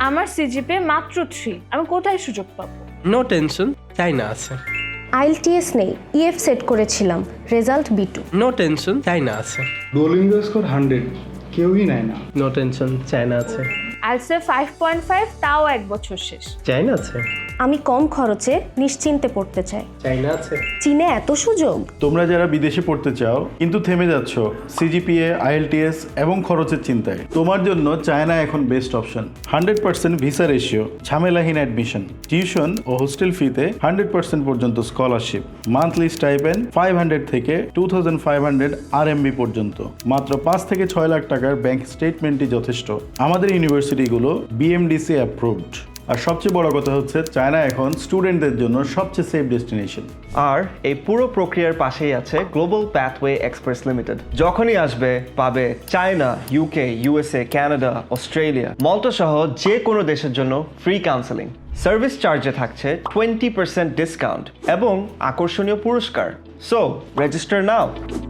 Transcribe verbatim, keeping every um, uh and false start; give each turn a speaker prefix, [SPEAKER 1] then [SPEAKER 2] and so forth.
[SPEAKER 1] আমার সিজিপি মাত্র থ্রি, আমি কোথায় সুযোগ পাবো?
[SPEAKER 2] নো টেনশন, চাইনা আছে।
[SPEAKER 3] আইএলটিএস নেই, ইএফ সেট করেছিলাম, result B two.
[SPEAKER 2] No tension, China আছে।
[SPEAKER 4] ডুওলিঙ্গো স্কোর হান্ড্রেড, কেউই নেয় না।
[SPEAKER 2] নো টেনশন, চাইনা আছে।
[SPEAKER 1] আইএলটিএস ফাইভ পয়েন্ট ফাইভ, তাও এক বছর শেষ।
[SPEAKER 2] চাইনা আছে।
[SPEAKER 3] আমি কম খরচে নিশ্চিন্তে পড়তে চাই।
[SPEAKER 2] চাইনা আছে।
[SPEAKER 3] চীনে এত সুযোগ।
[SPEAKER 5] তোমরা যারা বিদেশে পড়তে চাও কিন্তু থেমে যাচ্ছ সিজিপিএ, আইএলটিএস এবং খরচের চিন্তায়, তোমার জন্য চায়না এখন best option. Hundred percent visa ratio, ঝামেলাহীন অ্যাডমিশন, টিউশন ও হোস্টেল ফিতে হান্ড্রেড পার্সেন্ট পর্যন্ত scholarship, monthly stipend five hundred থেকে two thousand five hundred R MB পর্যন্ত, মাত্র পাঁচ থেকে ছয় লাখ টাকার ব্যাংক স্টেটমেন্টই যথেষ্ট। আমাদের ইউনিভার্সিটিগুলো বিএমডিসি অ্যাপ্রুভড। আর সবচেয়ে বড় কথা হচ্ছে চায়না এখন স্টুডেন্টদের জন্য সবচেয়ে সেফ ডেস্টিনেশন।
[SPEAKER 6] আর এই পুরো প্রক্রিয়ার পাশেই আছে গ্লোবাল প্যাথওয়ে এক্সপ্রেস লিমিটেড। যখনই আসবে পাবে China, UK, USA, Canada, Australia, Malta সহ যে কোনো দেশের জন্য ফ্রি কাউন্সেলিং। সার্ভিস চার্জে থাকছে টোয়েন্টি পার্সেন্ট ডিসকাউন্ট এবং আকর্ষণীয় পুরস্কার। সো রেজিস্টার নাও।